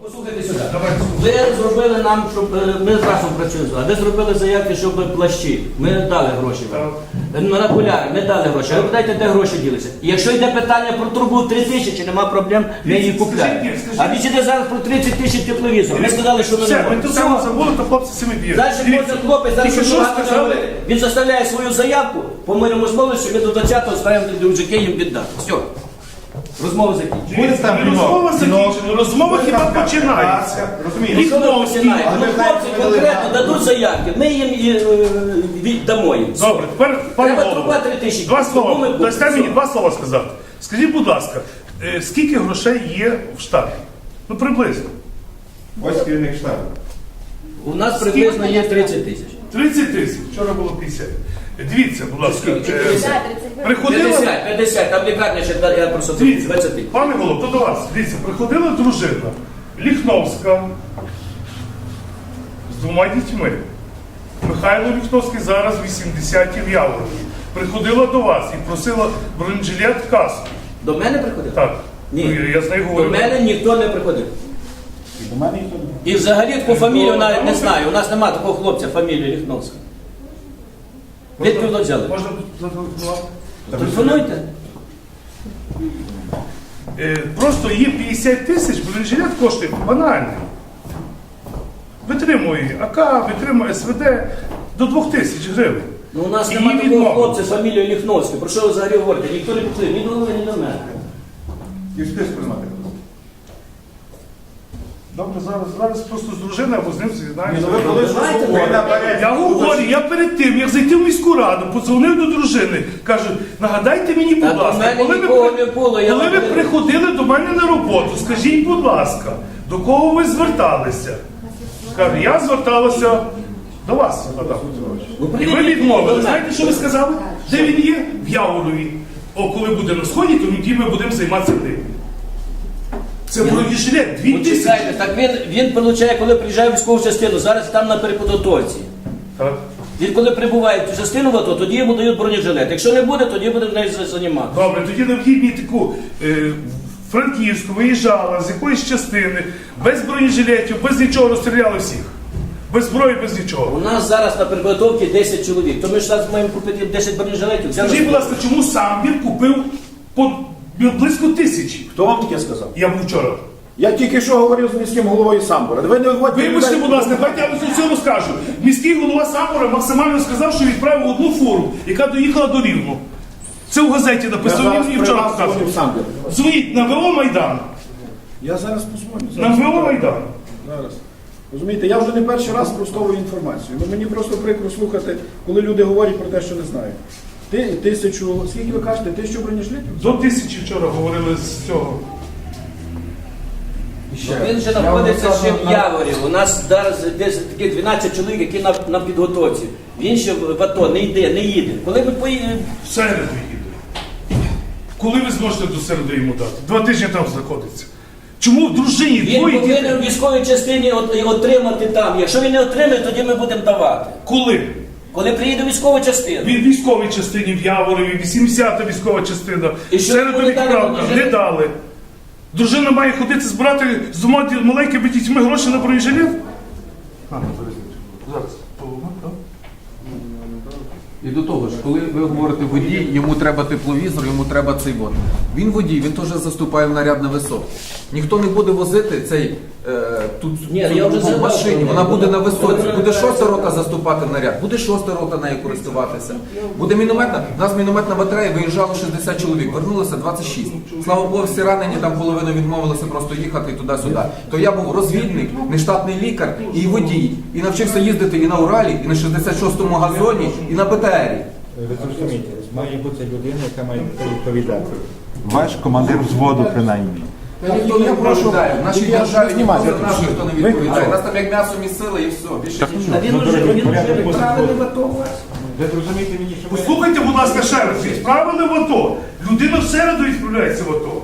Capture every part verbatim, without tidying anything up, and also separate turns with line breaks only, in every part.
Послухайте сюди. Ви зробили нам, щоб ми разом працюємо. Ви зробили заявки, щоб плащі. Ми дали гроші вам. На окуляри ми дали гроші. А ви питаєте, де гроші ділися? І якщо йде питання про трубу три тисячі, нема проблем, ми її купляємо. А ви йде зараз про тридцять тисяч тепловізор. Ми сказали, що ми не
Все, ми
можемо.
тут саме забули, то хлопці самі б'ють.
Далі кожен хлопець, зараз
Тільки
що
що
багато
сказали?
говорити. Він заставляє свою заявку по мирному слову, що ми до двадцятого ставимо до мужики їм віддати. Все. Розмова закінчена.
Буде там розмова закінчена, розмова хіба починається.
Розумієте? Починаємо. Ну, хлопці конкретно дадуть заявки, ми їм е, віддамо їм.
Добре, тепер, пане
Треба
голово,
труба три тисячі.
два
Тому ми
слова.
будемо.
Дасте мені два слова сказати. Скажіть, будь ласка, е, скільки грошей є в штабі? Ну, приблизно.
Ось керівник штабу.
У нас приблизно є тридцять тисяч.
тридцять тисяч, вчора було п'ятдесят. Дивіться, будь ласка,
Скільки?
е, приходила...
п'ятдесят, п'ятдесят, там лікарня ще я просто
Дивіться,
двадцять.
пане Голов, то до вас. Дивіться, приходила дружина Ліхновська з двома дітьми. Михайло Ліхновський зараз вісімдесяті в Яворові. Приходила до вас і просила бронежилет, каску.
До мене приходив?
Так.
Ні.
Ну, я з нею
До
говорю.
мене ніхто не приходив.
І до мене ніхто не.
І взагалі таку фамілію навіть не знаю. У нас немає такого хлопця, фамілії Ліхновська. Відповідь взяли.
Можна зателефонувати?
Телефонуйте.
Е, Просто є п'ятдесят тисяч, бронежилет коштує банальний. Витримує АК, витримує СВД до двох тисяч гривень.
Ну, у нас
І
немає
її
такого
відмовили.
хлопця, фамілію Ліхновська. Про що ви взагалі говорите? Ніхто не підтримує, ні до голови, ні до мене.
І в списку немає.
Добре, зараз, зараз просто з дружиною або з ним з'єднаємося.
Ви коли ж
Давайте,
ви наперед.
Я говорю, я перед тим, як зайти в міську раду, подзвонив до дружини, кажу, нагадайте мені, будь
Та до
ласка,
мене
коли,
нікого
ви,
не було, я
коли ви
говорю.
приходили до мене на роботу, скажіть, будь ласка, до кого ви зверталися? Кажу, я зверталася до вас, Адам.
Ну,
І ви
прийдіть
відмовили.
до мене.
Знаєте, що ви сказали? Де він є? В Яворові. О, коли буде на сході, то тоді ми будемо займатися ним. Це бронежилет, дві тисячі.
Почекайте, так він, він получає, коли приїжджає в військову частину, зараз там на переподготовці.
Так.
Він коли прибуває в частину в АТО, тоді йому дають бронежилет. Якщо не буде, тоді буде в неї займатися.
Добре, тоді необхідні таку е, Франківську виїжджала з якоїсь частини, без бронежилетів, без нічого розстріляли всіх. Без зброї, без нічого.
У нас зараз на переподготовці десять чоловік, то ми ж зараз маємо купити десять бронежилетів.
Скажіть, будь ласка, чому сам він купив по близько тисячі?
Хто вам таке сказав?
Я був вчора.
Я тільки що говорив з міським головою Самбора. Ви не виводьте
Вибачте,
людей.
будь ласка, давайте я вам все розкажу. Міський голова Самбора максимально сказав, що відправив одну фуру, яка доїхала до Рівного. Це в газеті
Я
написано,
зараз
він
при
вчора
вас дзвонив
показував.
Самбір.
Дзвоніть на ВО Майдан.
Я зараз позвоню.
На
Зараз.
ВО Майдан.
Зараз. Розумієте, я вже не перший раз спростовую інформацію. Ну, мені просто прикро слухати, коли люди говорять про те, що не знають. Ти тисячу, скільки ви кажете, тисячу бронежилетів?
До тисячі вчора говорили з цього.
Він вже знаходиться ще в Яворі. У нас зараз десь такі дванадцять чоловік, які на, на підготовці. Він ще в АТО не йде, не їде. Коли ми поїдемо,
В середу їде. Коли ви зможете до середи йому дати? Два тижні там знаходиться. Чому в дружині
він
двоє
повинен
дітей?
в військовій частині от- отримати там. Якщо він не отримає, тоді ми будемо давати.
Коли?
Коли приїде військова частина.
Він в військовій частині в Яворові, вісімдесята військова частина.
І
В
що
середу
ви дали
відправка.
бронежилет?
Не дали. Дружина має ходити збирати з двома ді- маленькими дітьми гроші на бронежилет? А, зараз.
І до того ж, коли ви говорите водій, йому треба тепловізор, йому треба цей вот. Він водій, він теж заступає в наряд на висотку. Ніхто не буде возити цей е, тут
Ні,
цю
я вже
групу в
згадав,
машині,
що
вона
ні.
буде на висоті.
Вона
Буде шоста
називається-
рота заступати в наряд, буде шоста рота нею користуватися. Буде мінометна. У нас мінометна батарея виїжджало шістдесят чоловік, вернулося двадцять шість. Слава Богу, всі ранені, там половина відмовилася просто їхати туди-сюди. То я був розвідник, нештатний лікар і водій. І навчився їздити і на Уралі, і на шістдесят шостому газоні, і на БТРі.
Ви зрозумієте, має бути людина, яка має відповідати.
Ваш командир взводу, принаймні.
Ніхто не відповідає. В нашій
я
державі
не
ніхто
знімаю.
за нас ніхто не відповідає. Нас там як м'ясо місили і все. Більше нічого.
А він вже він вже відправлений в АТО у вас.
Ви зрозумієте мені, що ви...
Послухайте, будь ласка, ще раз. Відправили в АТО. Людина в середу відправляється в АТО.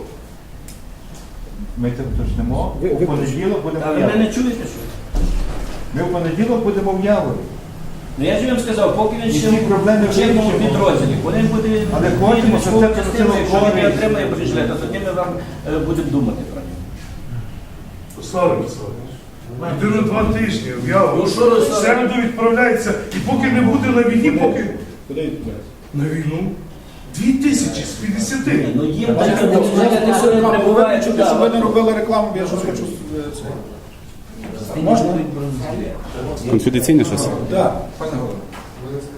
Ми це уточнимо.
Ви-
У
ви-
понеділок будемо
А
в
ви мене
Яворі.
не чуєте, що?
Ми в понеділок будемо в Яворі.
Ну я ж вам сказав, поки він
І
ще
всі проблеми
в чинному
вирішимо.
підрозділі, коли він буде
Але
він
хочемо, щоб
військову
це
частину,
працювало
якщо він не
корисно.
отримає бронежилета, тоді ми вам е, будемо думати про нього.
Руслан Олександрович, людина два тижні, я
Ну, що, Руслан?
в середу відправляється, і поки не буде на війні, поки
Куди відправляється?
на війну дві тисячі з п'ятдесяти.
Ну їм
Пане
таке
Голово,
не
я
все не
повинен
прибуває.
чути, щоб ви не робили рекламу, бо я щось хочу е, це. Можна?
Конфіденційне щось?
Так.
Пане голово.